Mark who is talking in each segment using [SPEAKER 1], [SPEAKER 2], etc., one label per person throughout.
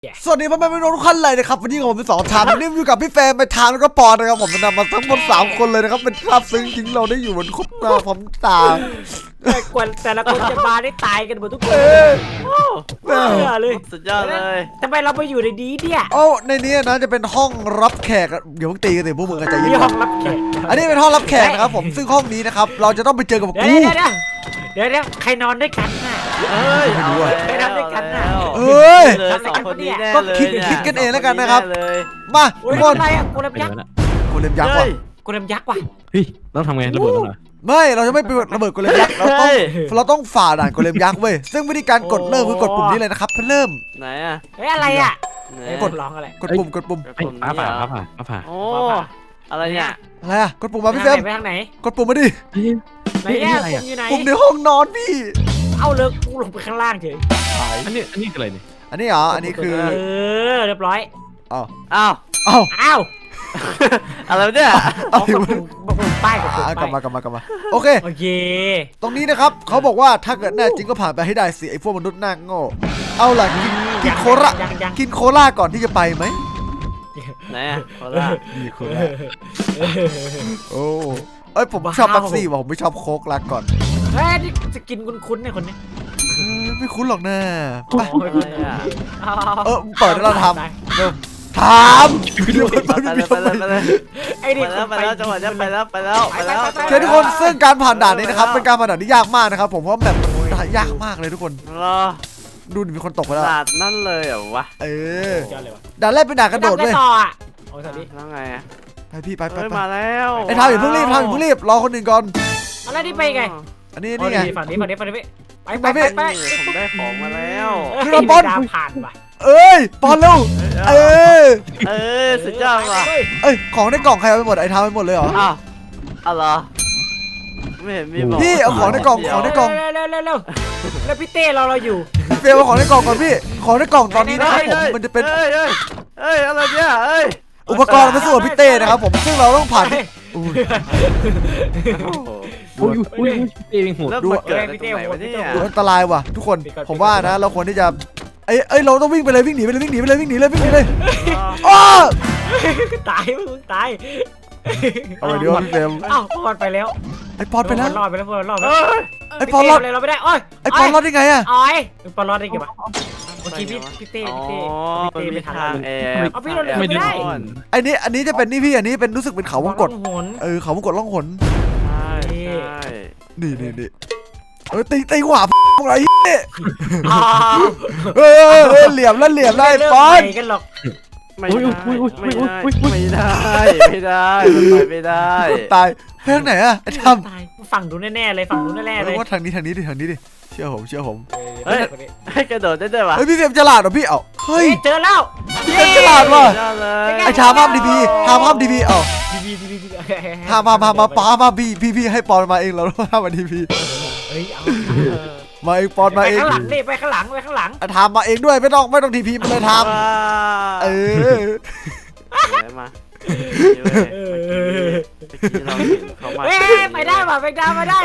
[SPEAKER 1] สวัสดีพ่อแม่พี่น้องทุกท่านเลยนะครับวันนี้ผมเป็นสองชามวันนี้อยู่กับพี่แฟนไปทางแล้วก็ปอนนะครับผมนำมาทั้งหมด3 คนเลยนะครับเป็นภาพซึ้งจริงเราได้อยู่บนคบหน้าพร้อมตา
[SPEAKER 2] กว่าแต่ละคนจะมาได้ตายกันหมดทุกคนเออเลย
[SPEAKER 3] สุดยอดเลย
[SPEAKER 2] ทำไมเราไปอยู่ในดีเนี่ย
[SPEAKER 1] โอ้ในนี้นะจะเป็นห้องรับแขกเดี๋ยวมึงตีกันสิพวกมึงกันใจเย็
[SPEAKER 2] มี
[SPEAKER 1] น
[SPEAKER 2] ห้องรับแขก
[SPEAKER 1] อันนี้เป็นห้องรับแขกนะครับผมซึ่งห้องนี้นะครับเราจะต้องไปเจอกับ
[SPEAKER 2] เดี๋ยว
[SPEAKER 1] กู
[SPEAKER 2] เดี๋ยวใครนอนด้วยกันน่ะ
[SPEAKER 3] เอ้ย
[SPEAKER 1] ไม่รู้อะ
[SPEAKER 2] ไปทำด้วยกันน่ะ
[SPEAKER 1] เอ้ย
[SPEAKER 3] เลยสองคนนี้แน่
[SPEAKER 1] ก็
[SPEAKER 3] เลย
[SPEAKER 1] คิดกันเองแล้วกันนะครับ
[SPEAKER 3] เลย
[SPEAKER 1] มา
[SPEAKER 2] โอ้ย
[SPEAKER 1] ทุกคน
[SPEAKER 2] อะไรอ่ะกูเล็บยักษ์
[SPEAKER 1] กูเล็มยักษ์ว่ะ
[SPEAKER 2] กูเล็บยักษ์ว่ะ
[SPEAKER 4] เฮ้ยต้องทำไงระเบิดมันเหรอ
[SPEAKER 1] ไม่เราจะไม่ไประเบิดกูเล็มยักษ์เราต้องฝ่าด่านกูเล็มยักษ์เว้ยซึ่งวิธีการกดเริ่มคือกดปุ่มนี้เลยนะครับเพื่อเริ่ม
[SPEAKER 3] ไหนอ่ะ
[SPEAKER 2] เฮ้ยอะไรอ่ะ
[SPEAKER 3] ไหน
[SPEAKER 2] กดร้องอะไร
[SPEAKER 1] กดปุ่ม
[SPEAKER 4] ไอ้ฟ้าผ่าฟ้าผ่าฟ้าผ่า
[SPEAKER 3] โอ้อะไรเนี่ย
[SPEAKER 1] อะไรอะกดปุ่มมาพี่เฟรม
[SPEAKER 2] ไปทางไหน
[SPEAKER 1] กดปุ่มมาดิ
[SPEAKER 4] เฮ้ย
[SPEAKER 2] ไหนเนี่ยปุ่มอยู่ไหน
[SPEAKER 1] ปุ่มในห้องนอนพี่
[SPEAKER 2] เอาเลยกูลงไปข้างล่างเฉย
[SPEAKER 4] อันนี้คืออะไรเนี่ย
[SPEAKER 1] อันนี้เหรออันนี้คือ
[SPEAKER 2] เออเรียบร้อย
[SPEAKER 1] อ้าว
[SPEAKER 3] อ้าว
[SPEAKER 1] อ้าว
[SPEAKER 2] อ้าว
[SPEAKER 3] อะไรเนี่ย
[SPEAKER 1] อ้าว
[SPEAKER 2] กดปุ่มป้ายกดปุ่ม
[SPEAKER 1] กลับ
[SPEAKER 2] ป้าย
[SPEAKER 1] มากลับมาโอเค
[SPEAKER 2] โอเค
[SPEAKER 1] ตรงนี้นะครับเขาบอกว่าถ้าเกิดแน่จริงก็ผ่านไปให้ได้สิไอ้พวกมนุษย์หน้าโง่เอาล่ะกินโคลา
[SPEAKER 2] ยัง
[SPEAKER 1] กินโคลาก่อนที่จะไปไหม
[SPEAKER 3] ไหนอ่ะโคราช
[SPEAKER 1] นี่โคลาโอ้เอ้ยผมชอบแป๊บซี่ว่ะผมไม่ชอบโค้กลาก่อน
[SPEAKER 2] เฮ้ยนี่จะกินคุ้นๆเนี่ยคนนี้
[SPEAKER 1] ไม่คุ้นหรอกนะไป
[SPEAKER 3] อะไรอ่ะ
[SPEAKER 1] เปิดให้เราทำเริ่มทำ
[SPEAKER 3] ไปเลยไปเลยไปเลย
[SPEAKER 2] ไอ้นี่
[SPEAKER 3] ไปแล้วจังหวะนี้ไปแล้วไปแล้ว
[SPEAKER 1] โอเคทุกคนซึ่งการผ่านด่านนี้นะครับเป็นการผ่านด่านที่ยากมากนะครับผมเพราะแบบมันยากมากเลยทุกคน
[SPEAKER 3] รอ
[SPEAKER 1] ดูดิมีคนตกไปแล้ว
[SPEAKER 3] ศาสตร์นั่นเลยเหรอวะ
[SPEAKER 1] เออ
[SPEAKER 2] เจอเลยวะ
[SPEAKER 1] ด่านแรกเป็นด่านกระโดดเว้ย
[SPEAKER 2] ต่ออ่ะโอ้ยสวัสดี
[SPEAKER 3] แล้วไงอ่ะ
[SPEAKER 1] ไปพี่ไป
[SPEAKER 3] เฮ้ยมาแล้ว
[SPEAKER 1] ไอ้ทามอย่าเพิ่งรีบทามอย่าเพิ่งรีบรอคนอื่นก่อน
[SPEAKER 2] อะไรนี่ไปไง
[SPEAKER 1] อันนี้
[SPEAKER 2] โอ้
[SPEAKER 1] นี่
[SPEAKER 2] ย
[SPEAKER 1] ไง
[SPEAKER 2] ฝั่งนี้ไป
[SPEAKER 1] ไปพี่
[SPEAKER 2] ไป
[SPEAKER 3] ผมได้ของมาแล้ว
[SPEAKER 1] ขึ้นมาบน
[SPEAKER 2] ดาวผ่านว่ะ
[SPEAKER 1] เอ้ยปอนเร็วเออ
[SPEAKER 3] สุดยอดว่ะ
[SPEAKER 1] เอ้ยของในกล่องใครเอาไปหมดไอ้ทามไปหมดเลยเหรอ
[SPEAKER 3] อ้าวอะไรไม่เห็นมีบอก
[SPEAKER 1] พี่เอาของในกล่องของในกล่อง
[SPEAKER 2] เร็วแล้วพี่เต้เราอยู่
[SPEAKER 1] เฟลเอาของในกล่องก่อนพี่ของในกล่องตอนนี้นะครับผมมันจะเป็น
[SPEAKER 3] เอ้ยอะไรเนี่ยเอ้ย
[SPEAKER 1] อุปกรณ์มาสู้กับพี่เต้นะครับผมซึ่งเราต้องผ่านอุ้ย
[SPEAKER 4] อุ้ยเองโหด
[SPEAKER 3] แล้วมันเกิดอะไรตรงไหนวะเนี่ย
[SPEAKER 1] ดูอันตรายว่ะทุกคนผมว่านะเราควรที่จะเอ้ยเราต้องวิ่งไปเลยวิ่งหนีไปเลยวิ่งหนีไปเลยวิ่งหนีเลยวิ่งหนีเลยอ้อ
[SPEAKER 2] ตายมึงตาย
[SPEAKER 1] เอาไปเดี๋ยวพี่เฟรม
[SPEAKER 2] อ้าวพอดไปแล้ว
[SPEAKER 1] ไอ้ปอนไปแล้ว
[SPEAKER 2] รอดไปแล้วรอดไป
[SPEAKER 3] เอ้
[SPEAKER 2] แล้ว
[SPEAKER 3] ย
[SPEAKER 1] ไอ้ปอนรอด
[SPEAKER 2] เลยเราไม่ได้โอ้ย
[SPEAKER 1] ไอ้ปอนรอดได้ไงอะ
[SPEAKER 2] อ้อยปอนรอดได้ไงวะเมื่อกี้พี่เต้
[SPEAKER 3] อ๋อ
[SPEAKER 2] พี่
[SPEAKER 3] มัน
[SPEAKER 2] เต้
[SPEAKER 3] มี
[SPEAKER 2] ไม่ทัน
[SPEAKER 3] ทาง
[SPEAKER 2] เลย
[SPEAKER 3] แอบ
[SPEAKER 2] เอาพี่เราเลยไม่ได้
[SPEAKER 1] อันนี้จะเป็นนี่พี่อันนี้เป็นรู้สึกเป็นเขาวงกต
[SPEAKER 2] หน
[SPEAKER 1] เขาวงกตล่องหน
[SPEAKER 3] ใช่
[SPEAKER 1] นี่ตีขวาอะไรเนี่ย
[SPEAKER 2] อ้าว
[SPEAKER 1] เหลี่ยมแล้วเหลี่ยมได้ปอน
[SPEAKER 2] กันหรอก
[SPEAKER 3] ไม่ได้ไม่ได้ไม่ได้
[SPEAKER 1] ตายเพื่อนไหนอะไอ้ท
[SPEAKER 2] ตายฝั่งดูแน่ๆเลยฝั่งดูแน่ๆ
[SPEAKER 1] ำ
[SPEAKER 2] เลย
[SPEAKER 1] ว่าทางนี้ดิเชื่อผม
[SPEAKER 3] ให้กระโดดได้ด้วยวะ
[SPEAKER 1] เฮ้ยพี่เฟรมฉลาดเหรอพี่เอ้าเฮ้ย
[SPEAKER 2] เจอแล้ว
[SPEAKER 1] พี่เฟรมฉลาดว่ะ
[SPEAKER 3] เลย
[SPEAKER 1] ไอ้ชาห้ามดีพีห้ามดีพีเอ้า
[SPEAKER 2] ดี
[SPEAKER 1] ห้ามป้ามาพี่ให้ปอนมาเองเราห้ามมาดีพี
[SPEAKER 2] เฮ้ยเอา
[SPEAKER 1] มาเองปอนมาเอง
[SPEAKER 2] ข้างหลังนี่ไปข้างหลังไปข้างหลัง
[SPEAKER 1] ทำมาเองด้วยไม่ต้องทีพีมาเลยทำเออ
[SPEAKER 3] มา
[SPEAKER 2] เฮ้ยไปได้ป่ะไปได้มาได้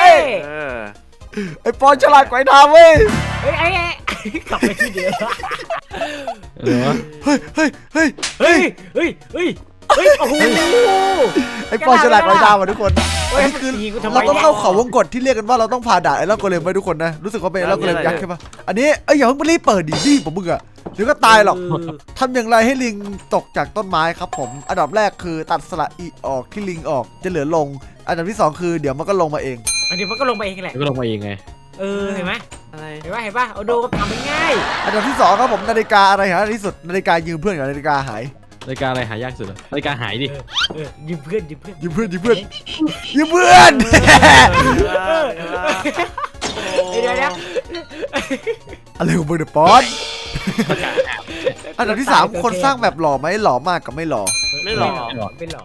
[SPEAKER 1] ไอ้ปอนฉลาดกว่าไอ้ทำเว้ย
[SPEAKER 2] เฮ้ยกลับไปที่เดิม
[SPEAKER 4] เออ
[SPEAKER 1] เฮ้ย
[SPEAKER 2] โอ้โห
[SPEAKER 1] ไอ้ปอนฉลาดกว่าไอ้ทำว่ะทุกคน
[SPEAKER 2] เฮ้ย
[SPEAKER 1] อันนี้คือ
[SPEAKER 2] ตีกูทำไม
[SPEAKER 1] เราต้องเข้าเขาวงกตที่เรียกกันว่าเราต้องผ่าด่านไอ้ล่องโกเลมไปทุกคนนะรู้สึกว่าเป็นไอ้ล่องโกเลมยักษ์ใช่ปะอันนี้อย่าเพิ่งรีบเปิดดิรีบผมมึงอะเดี๋ยวก็ตายหรอกทำอย่างไรให้ลิงตกจากต้นไม้ครับผมอันดับแรกคือตัดสระอีออกที่ลิงออกจะเหลือลงอันดับที่2คือเดี๋ยวมันก็ลงมาเอง
[SPEAKER 2] อันนี้มันก็ลงไปเองแหละ
[SPEAKER 4] ก็ลงมาเองไง
[SPEAKER 2] เห็นไหม
[SPEAKER 3] อะไร
[SPEAKER 2] เห็นป่ะเอาดูก็ทำง่าย
[SPEAKER 1] อันดับที่2ครับผมนาฬิกาอะไรหาที่สุดนาฬิกายืมเพื่อนกับนาฬิกาหาย
[SPEAKER 4] รายการอะไรหายากสุดรายการหายดิ
[SPEAKER 2] ยืมเพื่อน
[SPEAKER 1] ยืมเพื่อน
[SPEAKER 2] เดี๋ยว
[SPEAKER 1] อะไรของมึงเนี่ยป๊อตอันดับที่3คนสร้างแบบหล่อไหมหล่อมากกับไม่หล่อ
[SPEAKER 3] ไม่หล่อ
[SPEAKER 2] ไม่หล่อ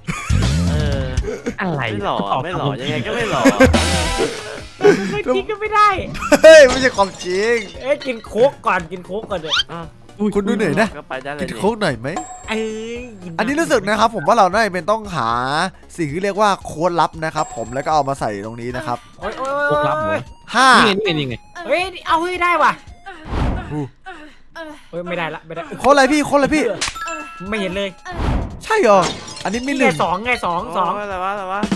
[SPEAKER 4] อะไร
[SPEAKER 3] ไม่หล่อไม่หล่อยังไงก็ไม่หล่อ
[SPEAKER 2] ไม่กินก็ไม่ได้
[SPEAKER 1] เฮ้ยไม่ใช่ความจริง
[SPEAKER 2] กินโค้กก่อนเลย
[SPEAKER 1] คุณดูหน่อยนะ
[SPEAKER 3] ก็ไปได้เลย
[SPEAKER 1] กินโค้กหน่อยไหม
[SPEAKER 2] เอ้ย
[SPEAKER 1] อันนี้รู้สึกนะครับผมว่าเราน่าจะเป็นต้องหาสิ่งที่เรียกว่าโค้ดลับนะครับผมแล้วก็เอามาใส่ตรงนี้นะครับ
[SPEAKER 2] โอ้ย
[SPEAKER 4] พวกรับเหรอ
[SPEAKER 1] 5
[SPEAKER 4] นี่ไง
[SPEAKER 2] เฮ้ยเอาให้ได้ว่ะเฮ้ยไม่ได้ละไม่ได้
[SPEAKER 1] โค้ดอะไรพี่โค้ดอะไรพี่
[SPEAKER 2] ไม่เห็นเลย
[SPEAKER 1] ใช่เหรออันนี้มีห
[SPEAKER 2] ไง
[SPEAKER 1] นึ่ง
[SPEAKER 2] สองไงสอง
[SPEAKER 3] อะไรวะอะไรวะ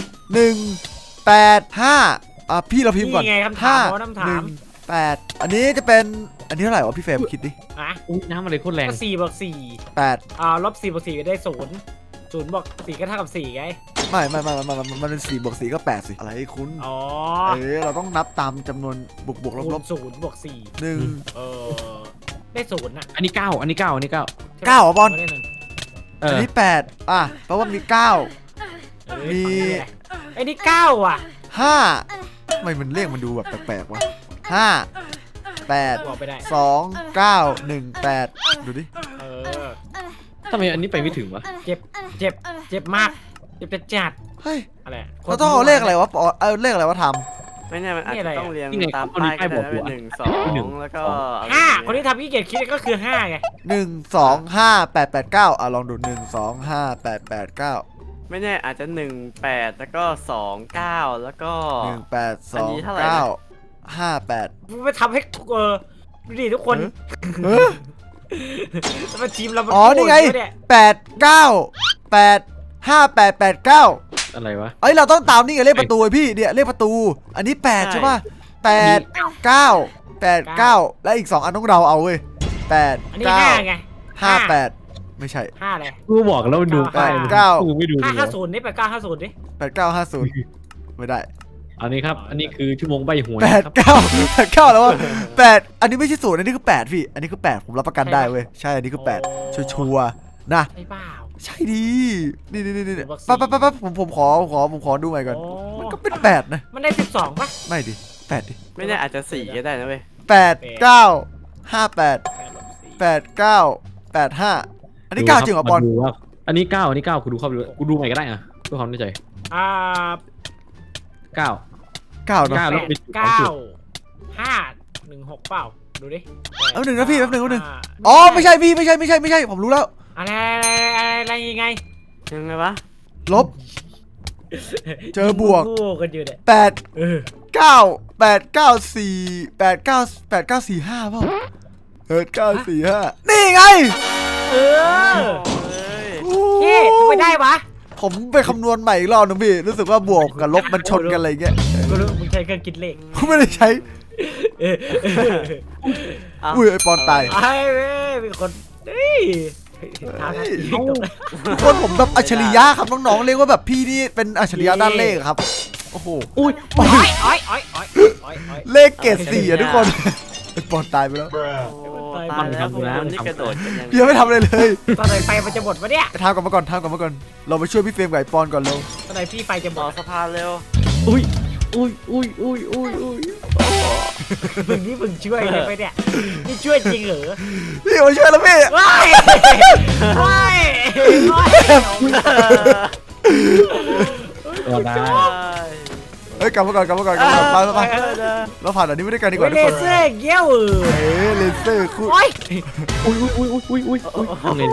[SPEAKER 1] 185พี่เราพิมพ์ก่อน
[SPEAKER 2] นี่ไงคำถาม
[SPEAKER 1] ห้า
[SPEAKER 2] เพราะคำถาม
[SPEAKER 1] 8อันนี้จะเป็นอันนี้เท่าไหร่วะพี่เฟรมคิดดิ
[SPEAKER 2] อ่ะ
[SPEAKER 4] อุ้ยน้ำอะไรโคตรแรง
[SPEAKER 2] ก็4 บวก
[SPEAKER 1] 8
[SPEAKER 2] ลบ4 บวก 4ก็ได้0บวก4ก็เท่ากับ4ไง
[SPEAKER 1] ไม่มันเป็น4 บวก 4ก็8สิอะไรคุณ
[SPEAKER 2] อ๋อ
[SPEAKER 1] เราต้องนับตามจำนวนบวกลบ
[SPEAKER 2] 0บวก4
[SPEAKER 1] 1
[SPEAKER 2] ได้0น่ะ
[SPEAKER 4] อันนี้เก้าอันนี้เก้าอันนี้เก้า
[SPEAKER 1] 9เหรอบอล
[SPEAKER 2] ไม่ได้หนึ่ง
[SPEAKER 4] เอ
[SPEAKER 1] อัน
[SPEAKER 4] อ
[SPEAKER 1] นี้8แปลว่ามี9 มี
[SPEAKER 2] ไอ้นี่9อ่ะ
[SPEAKER 1] 5ทำไมมันเลขมันดูแบบแปลกๆวะ5 8
[SPEAKER 2] บอกไปได้
[SPEAKER 1] 2 9 1 8ดูดิ
[SPEAKER 2] เออ
[SPEAKER 4] ทำไมอันนี้ไปไม่ถึงวะ
[SPEAKER 2] เจ็บมากเจ็บจัด
[SPEAKER 1] เฮ้ย
[SPEAKER 2] อะไร
[SPEAKER 1] เราต้องเอาเลขอะไรวะเอาเลขอะไรวะท
[SPEAKER 3] ไม่แน่มันอาจจะต้องเรียง
[SPEAKER 4] นี่ไง
[SPEAKER 3] ตาม
[SPEAKER 4] คนนี้
[SPEAKER 3] ป้าย
[SPEAKER 4] ป้าย
[SPEAKER 3] ก็
[SPEAKER 4] บอก
[SPEAKER 3] ได้
[SPEAKER 4] อยู่
[SPEAKER 3] นะ1 2แล้วก็อะไร
[SPEAKER 2] 5คนที่ทำขี้เกียจคิดก็คือ5ไง
[SPEAKER 1] ำ1 2 5 8 8 9ลองดู1 2 5 8 8 9
[SPEAKER 3] ไม่แน่อาจจะ1 8แล้วก็2 9แล้วก็
[SPEAKER 1] 1 8
[SPEAKER 3] อันนี้
[SPEAKER 1] 2
[SPEAKER 3] เท่าไหร่นะ
[SPEAKER 1] 9 5 8
[SPEAKER 2] ไม่ทำให้ดูดิทุกคน
[SPEAKER 1] เออ
[SPEAKER 2] แล้วมันทีมเรามั
[SPEAKER 1] อ๋อนี่ไง
[SPEAKER 2] โง่เย
[SPEAKER 1] 8 9 8 5 8 8 9
[SPEAKER 4] อะไรวะ
[SPEAKER 1] เอ้ยเราต้องตามนี่ไงเลขประตูไอ้พี่เนี่ยเลขประตูอันนี้8ใช่ป่ะ8 9 8 9และอีก2อันต้องเราเอาเว้ย8
[SPEAKER 2] อันนี้
[SPEAKER 1] 9
[SPEAKER 2] 5ไง
[SPEAKER 1] 5 8ไม่ใช่
[SPEAKER 2] 5เลย
[SPEAKER 4] กูบอกแล้วมันดูป้าย
[SPEAKER 1] เก้า
[SPEAKER 4] กูไม่ดูเลย
[SPEAKER 2] 550นี่8950ดิ
[SPEAKER 1] 8 9 5 0ไม่ได้
[SPEAKER 4] อันนี้ครับอันนี้คือชั่วโมงใบหวย
[SPEAKER 1] 8
[SPEAKER 4] ครับ
[SPEAKER 1] 9 8 9แล้วว่า8อันนี้ไม่ใช่0อันนี้คือ8พี่อันนี้คือ8ผมรับประกันได้เว้ยใช่อันนี้คือ8ชัวร์ๆนะ
[SPEAKER 2] ใช่เปล่า
[SPEAKER 1] ใช่ดีนี่
[SPEAKER 2] บอกสี่
[SPEAKER 1] ปั๊บผมขอดูใหม่ก่อน
[SPEAKER 2] โอ้
[SPEAKER 1] มันก็เป็น8นะ
[SPEAKER 2] มันได้12ป่ะ
[SPEAKER 1] ไม่ดิ8ดิ
[SPEAKER 3] ไม่แน่อาจจะ4ก็ได้นะเว้ย
[SPEAKER 1] 8 9 5 8 8 9 8 5อันนี้9จริงเหรอบอล
[SPEAKER 4] มาดูว่าอันนี้เก้าอันนี้เก้ากูดูเข้าไปดูกูดูใหม่ก็ได้อะเพื่อความแน่ใจ
[SPEAKER 2] อ่า
[SPEAKER 4] เก้า
[SPEAKER 1] 9เนาะ
[SPEAKER 4] เก้า แล้วมี2 จุด
[SPEAKER 2] 516เปล่าดูดิ
[SPEAKER 1] แป๊บนึงนะพี่แป๊บนึงอ๋อไม่ใช่พี่ไม่ใช่ผมรู้แล้ว
[SPEAKER 2] อะไรยังไง
[SPEAKER 3] ยังไงวะ
[SPEAKER 1] ลบ เจอบวก
[SPEAKER 2] คู่กันอยู่เนี่ย
[SPEAKER 1] 8
[SPEAKER 2] เออ
[SPEAKER 1] 9 8 9 4 8 9 8 9 4 5เปล่า9 4 5นี่ไง
[SPEAKER 2] เออ
[SPEAKER 3] เฮ้ย
[SPEAKER 2] เฮ้ทำไมได้วะ
[SPEAKER 1] ผมไปคำนวณใหม่อีกรอบนึงพี่รู้สึกว่าบวกกับลบมันชนกันอะไรเงี้ย
[SPEAKER 2] กูรู้มึงใช้เครื่องคิดเลข
[SPEAKER 1] ผมไม่ได้ใช้
[SPEAKER 2] เออ
[SPEAKER 3] เอา
[SPEAKER 1] อุ้ยไอปอนตาย
[SPEAKER 2] ไอ้เว้ยมีคนเฮ้ยทางนั้นตก
[SPEAKER 1] ทุกคนผมแบบอัจฉริยะครับน้องๆเรียกว่าแบบพี่นี่เป็นอัจฉริยะด้านเลขครับโอ้โห
[SPEAKER 4] อุ้ย
[SPEAKER 2] โอ้ยโอ้ยโอ้ยโอ้ยโอ้ยโอ้ย
[SPEAKER 1] เลขเกรด4อะทุกคนไอปอนตายไปแล้ว
[SPEAKER 3] โอ้ตายแล้วพวกคุณนี่กระโดดกันยัง
[SPEAKER 1] พี่ยังไม่ทำอะไรเลย
[SPEAKER 2] ตอนไหนไฟมันจะหมดวะเนี่ย
[SPEAKER 1] ไปทำกลับมาก่อนเราไปช่วยพี่เฟรมกับไอปอนก่อนเร็ว
[SPEAKER 2] ตอนไหนพี่ไฟจะหม
[SPEAKER 3] ต่อ
[SPEAKER 2] ด
[SPEAKER 3] สะพานเร็ว
[SPEAKER 4] อุ้ย
[SPEAKER 2] มึงช่วยเลยไปเนี่ยนี่ช่วยจริงเหรอ
[SPEAKER 1] พี่มาช่วยแล้วพี่
[SPEAKER 2] ว้ายว้ายว้าย
[SPEAKER 4] ก็ได้
[SPEAKER 1] เฮ้ยกลับมาก่อนไปเราผ่านอันนี้ไม่ได้กันดีกว่าทุ
[SPEAKER 2] เล
[SPEAKER 1] กคน
[SPEAKER 2] เซอร์เกี้ยว
[SPEAKER 1] เลเซอร์คู่
[SPEAKER 2] โอ้ย
[SPEAKER 4] อุ้ยทำไง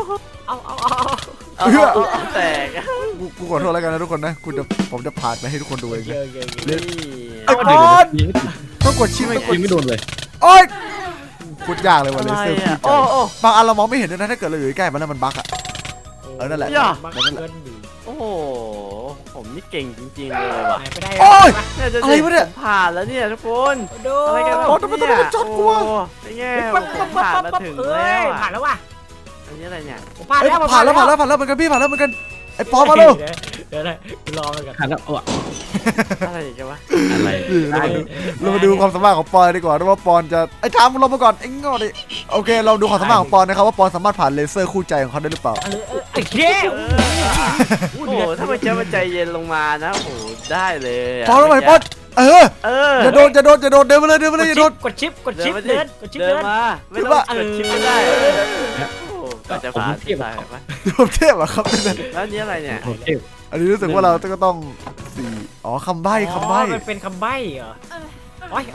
[SPEAKER 3] เอาแตก
[SPEAKER 1] กูขอโทษแล้วกันนะทุกคนนะผมจะผ่านไปให้ทุกคนดูเอง
[SPEAKER 2] เย
[SPEAKER 1] นะ
[SPEAKER 2] อะเยอะ
[SPEAKER 3] นี่
[SPEAKER 1] ไอ้ปอน
[SPEAKER 4] ยิงไม่
[SPEAKER 1] ต้องกดชิป
[SPEAKER 4] ยิงไม่โดนเลย
[SPEAKER 1] โอ๊ยพูดยากเลยว่ะ
[SPEAKER 3] อะ
[SPEAKER 1] เล
[SPEAKER 3] ไร
[SPEAKER 1] เซอร์
[SPEAKER 3] อ่ะ
[SPEAKER 1] พูด
[SPEAKER 3] โอ้
[SPEAKER 1] บางอันเรามองไม่เห็นด้วยนะถ้าเกิดเราอยู่ใกล้มันแล้วมันบั๊กอะ นั่นแหละ
[SPEAKER 3] โอ้โหผมนี่เก่งจริงๆเลยว่ะ
[SPEAKER 2] ไปได้
[SPEAKER 1] โอ๊ย
[SPEAKER 3] เนี่ยจะ
[SPEAKER 1] อะไรวะเนี่ย
[SPEAKER 3] ผมผ่านแล้วเนี่ยทุกคน
[SPEAKER 2] ดู
[SPEAKER 3] อะไรกัน
[SPEAKER 1] โอ้ทำไมต้องเป็นช็อตกูวะ
[SPEAKER 3] นี่ไงผมผ่านมาถึงแล้ว
[SPEAKER 2] ผ่านแล้วว่ะ
[SPEAKER 3] อันนี้อะไรเนี่ย
[SPEAKER 2] ผมผ่าน
[SPEAKER 1] เอ้ย
[SPEAKER 2] แล้ว
[SPEAKER 1] ผ่านแล้วเหมือนกันพี่ผ่านแล้วเหมือนกันไอ้ปอมาเร็ว
[SPEAKER 2] เดี๋ยวรอกัน
[SPEAKER 4] หันแล้วเออ
[SPEAKER 3] อะไรกันวะ
[SPEAKER 4] อะไร
[SPEAKER 1] เรามาดูความสามารถของปอนดีกว่าว่าปอนจะไอ้ทามลงมาก่อนไอ้งอดิโอเคเราดูความสามารถของปอนนะครับว่าปอนสามารถผ่านเลเซอร์คู่ใจของเขาได้หรือเปล่า
[SPEAKER 2] ไอ้เหี้ย
[SPEAKER 3] โอ้โหถ้ามันจะมาใจเย็นลงมานะโอ้โหได้เลย
[SPEAKER 1] ปอนลงมาปอนอย่าโดนเดินมาเลยอย่าโดน
[SPEAKER 2] กดชิปเดิน
[SPEAKER 3] มาไม่ต้องกดชิปไม่ได้ก็จะผ่านที่ไหนปะ
[SPEAKER 1] ผมเทพอะครับนั่น
[SPEAKER 3] แล้วนี้อะไรเนี่ย
[SPEAKER 4] โอเค
[SPEAKER 1] อันนี้รู้สึกว่าเราก็ต้อง4อ๋อคำใบ้คำใบ้
[SPEAKER 2] มันเป็นคำใบ้เหรอโอ้ย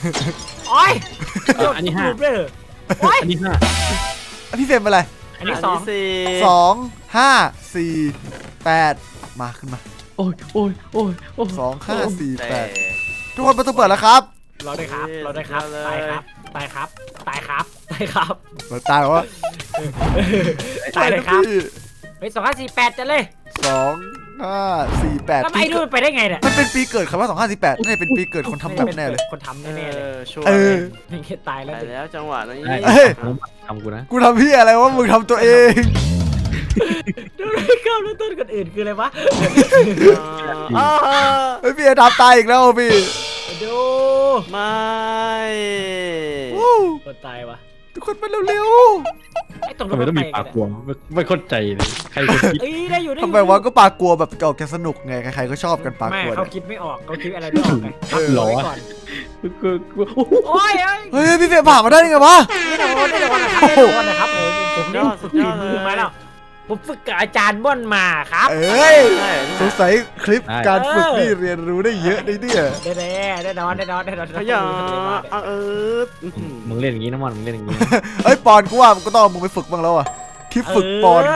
[SPEAKER 4] อันนี้
[SPEAKER 2] 5
[SPEAKER 4] อันนี้5
[SPEAKER 1] พี่เฟรมเป็นอะไร
[SPEAKER 2] อันนี้
[SPEAKER 1] 2 5 4 8มาขึ้นมา
[SPEAKER 4] โอ้ย
[SPEAKER 1] 2 5 4
[SPEAKER 3] แต่
[SPEAKER 1] 8ทุกคนประตูเปิดแล้วครับ
[SPEAKER 2] รอด้วยครับรอด้วยครับตายครับตายครับตายครับตายครับ
[SPEAKER 1] มันตายแล้ววะ
[SPEAKER 2] ตายเลยครับ
[SPEAKER 1] พี่
[SPEAKER 2] เฮ้ย2548จะเลย
[SPEAKER 1] 2548
[SPEAKER 2] แล้วไอ้นู่นไปได้ไงเนี่ย
[SPEAKER 1] มันเป็นปีเกิดคำว่า2548น่าจะเป็นปีเกิดคนทำแบบแน่เลย
[SPEAKER 2] คนทำแน่ๆเลย
[SPEAKER 3] ชัวร์
[SPEAKER 1] เออ
[SPEAKER 2] นี่แค่ตายแล้ว
[SPEAKER 3] ตายแล้วจังหวะนี้
[SPEAKER 4] ได้
[SPEAKER 1] เอ้ย
[SPEAKER 4] ทำกูนะ
[SPEAKER 1] กูทำพี่อะไรวะมึงทำตัวเอง
[SPEAKER 2] ดูเลยข้ามแล้วต้นคนอื่นคืออะไรวะ
[SPEAKER 1] เฮ้ยพี่ทำตายอีกแล้วพี่
[SPEAKER 2] ดู
[SPEAKER 3] ไม่
[SPEAKER 1] วู้
[SPEAKER 2] คนตายวะ
[SPEAKER 1] ทุกคนมาเร็ว
[SPEAKER 2] ไอ้ตรง
[SPEAKER 4] ทำไมต้องมีปากกลัวไม่เข้าใจเลยใครคนคิด
[SPEAKER 2] เอ้ยได้อยู่
[SPEAKER 1] ๆ
[SPEAKER 2] ได้
[SPEAKER 1] ทำไมวะก็ปากกลัวแบบจะออกแกสนุกไงใครๆก็ชอบกันปาก
[SPEAKER 2] ไม่
[SPEAKER 1] กลัว
[SPEAKER 2] เขา
[SPEAKER 1] เนี่ย
[SPEAKER 2] คิดไม่ออกเขาคิดอะไรไม่ออกไง
[SPEAKER 4] หรอ
[SPEAKER 2] ไว้
[SPEAKER 4] วะ
[SPEAKER 2] ก่อน
[SPEAKER 4] กู
[SPEAKER 2] โอ้ย
[SPEAKER 1] เฮ้ยพี่เฟยผ่านมาได้ยังไงวะ
[SPEAKER 2] ไม่โดนนะครับไม่โดนนะครับผมนี่ฝึกฝีมือมาแล้วผมฝึกกับอาจารย์ม่อนมาครับ
[SPEAKER 1] เอ้ย
[SPEAKER 3] ใช่
[SPEAKER 1] สงสัยคลิปการฝึกนี่เรียนรู้ได้เยอะเลยเนี่ย
[SPEAKER 2] ได้นอน
[SPEAKER 3] ขยัน
[SPEAKER 4] มึงเล่นอย่างนี้นะมันมึงเล่นอย่างนี้
[SPEAKER 1] เอ้ยปอนกูว่ามันก็ต้องเอามึงไปฝึกบ้างแล้วอ่ะคลิปฝึกปอน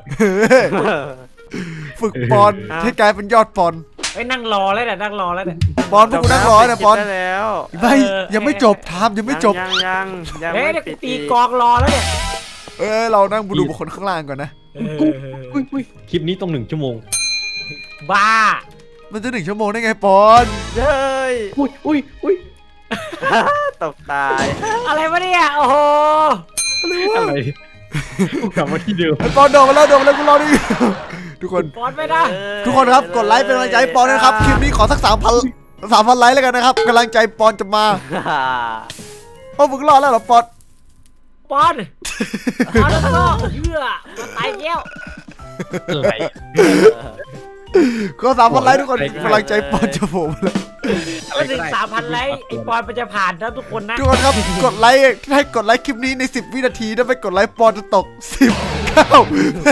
[SPEAKER 1] ฝึกปอนให้กลายเป็นยอดปอน
[SPEAKER 2] ไอ้นั่งรอแล้วเนี่ยนั่งรอแล้วเนี่ย
[SPEAKER 1] ปอนพวกกูนั่งรอเนี่ยปอน
[SPEAKER 3] ได้แล้ว
[SPEAKER 1] ไม่ยังไม่จบทามยังไม่จบ
[SPEAKER 3] ยัง
[SPEAKER 2] เฮ้ย
[SPEAKER 3] ไม่
[SPEAKER 2] เดี๋ยว
[SPEAKER 3] ปิด
[SPEAKER 2] ตีกองรอแล้วเนี่ย
[SPEAKER 1] เอ้ยเรานั่งดูบุคคลข้างล่างก่อนนะ
[SPEAKER 4] คลิปนี้ต้อง1 ชั่วโมง
[SPEAKER 2] บ้า
[SPEAKER 1] มันจะ1 ชั่วโมงได้ไงปอน
[SPEAKER 3] เฮ้ย
[SPEAKER 4] อุ้ย
[SPEAKER 3] ตกตาย
[SPEAKER 2] อะไรวะเนี่ยโอ้โห
[SPEAKER 4] อะไรกูกลับมาที่เดิม
[SPEAKER 1] ไอ้ปอนโดดมาแล้วกูรอดิทุกคน
[SPEAKER 2] ปอนไม่ได้
[SPEAKER 1] ทุกคนครับกดไลค์เป็นกำลังใจให้ปอนด้วยนะครับคลิปนี้ขอสัก3,000ไลค์แล้วกันนะครับกำลังใจปอนจะมาโอ้มึงรอดแล้วเหรอปอน
[SPEAKER 2] ปอนแล้วก็เหี้ยมาตายแก้ว
[SPEAKER 4] อะไร
[SPEAKER 1] ก็3,000ไลค์ทุกคนกำลังใจปอนจะโผล่มาแล้ว
[SPEAKER 2] มาถึง3,000ไลค์ไอ้ปอนมันจะผ่านนะทุกคนนะ
[SPEAKER 1] ทุกคนครับกดไลค์ให้กดไลค์คลิปนี้ใน10 วินาทีถ้าไม่กดไลค์ปอนจะตก10 9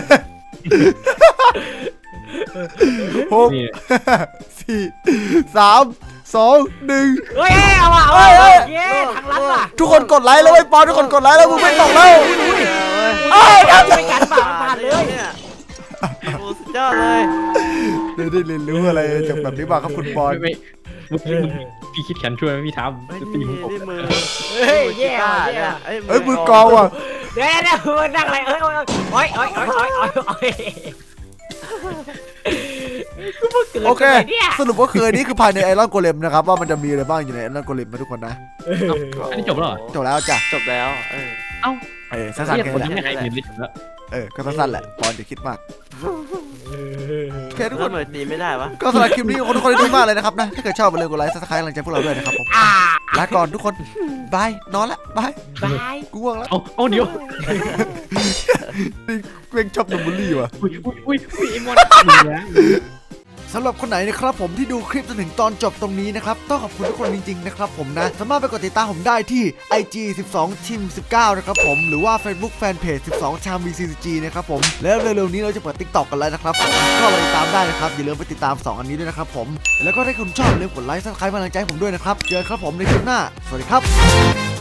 [SPEAKER 1] 6
[SPEAKER 4] นี่
[SPEAKER 1] 4 3 2 1
[SPEAKER 2] เฮ้ยเอาว่ะเย้ทางลัดว่ะ
[SPEAKER 1] ทุกคนกดไลค์แล้วไอ้ปอนทุกคนกดไลค์แล้วมึงไม่ตกแล้ว
[SPEAKER 2] เอ้ยไม่กันผ่านเลย
[SPEAKER 3] โอ้สุดยอดเลย
[SPEAKER 1] ได้เรียนรู้อะไรจากแบบนี้บ้างครับคุณปอน
[SPEAKER 4] ไม่พี่คิดแขนช่วยไหมพี่ทำจะตีมึงตก
[SPEAKER 3] นี่มือ
[SPEAKER 2] เฮ้ยแย่ว่ะแย่
[SPEAKER 1] เอ้ยมือกองว่ะ
[SPEAKER 2] เดี๋ยวมึงนั่งอะไรโอ้ยกูเพิ่งเกิด
[SPEAKER 1] โอเค
[SPEAKER 2] เนี่ย
[SPEAKER 1] สรุปว่าคืนนี้คือภายในไอรอนโกเลมนะครับว่ามันจะมีอะไรบ้างอยู่ในไอรอนโกเลมนะทุกคนนะ
[SPEAKER 4] อันนี้จบแล้วเหรอ
[SPEAKER 1] จบแล้วจ้ะ
[SPEAKER 3] จบแล้ว
[SPEAKER 1] สั้นๆ
[SPEAKER 4] เรียก
[SPEAKER 1] แค่
[SPEAKER 4] คน
[SPEAKER 1] นั้น
[SPEAKER 4] ที่
[SPEAKER 1] แหละ
[SPEAKER 4] ไม่ให้เงินได้จบแล้ว
[SPEAKER 1] ก็สั้นๆแหละปอนอย่าคิดมากโอเคทุกค
[SPEAKER 3] ก็
[SPEAKER 1] น
[SPEAKER 3] เหมือนตีไม่ได้วะ
[SPEAKER 1] ก็สำหรับคลิปนี้ขอบคุณทุกคนที่ดูมากเลยนะครับนะถ้าเกิดชอบอย่าลืมกดไลค์ซับสไครต์กำลังใจพวกเราด้วยนะครับผมลาก่อนทุกคนบายนอนละบาย
[SPEAKER 2] บาย
[SPEAKER 1] กูง่วงแล้ว
[SPEAKER 4] เอาเดี๋ยว
[SPEAKER 1] นี่เกรงชอบนมบุรี่ว่ะ
[SPEAKER 4] อุ้ยไอ้มอนเนี่ย
[SPEAKER 1] สำหรับคนไหนนะครับผมที่ดูคลิปจนถึงตอนจบตรงนี้นะครับต้องขอบคุณทุกคนจริงๆนะครับผมนะสามารถไปกดติดตามผมได้ที่ IG 12 Team 19นะครับผมหรือว่า Facebook Fanpage 12 Cham VCG นะครับผมแล้วเร็วๆนี้เราจะเปิด TikTok กันแล้วนะครับผมก็ไปติดตามได้นะครับอย่าลืมไปติดตาม2อันนี้ด้วยนะครับผมแล้วก็ถ้าคุณชอบอย่าลืมกดไลค์ซับสไครต์กำลังใจให้ผมด้วยนะครับเจอกันครับผมในคลิปหน้าสวัสดีครับ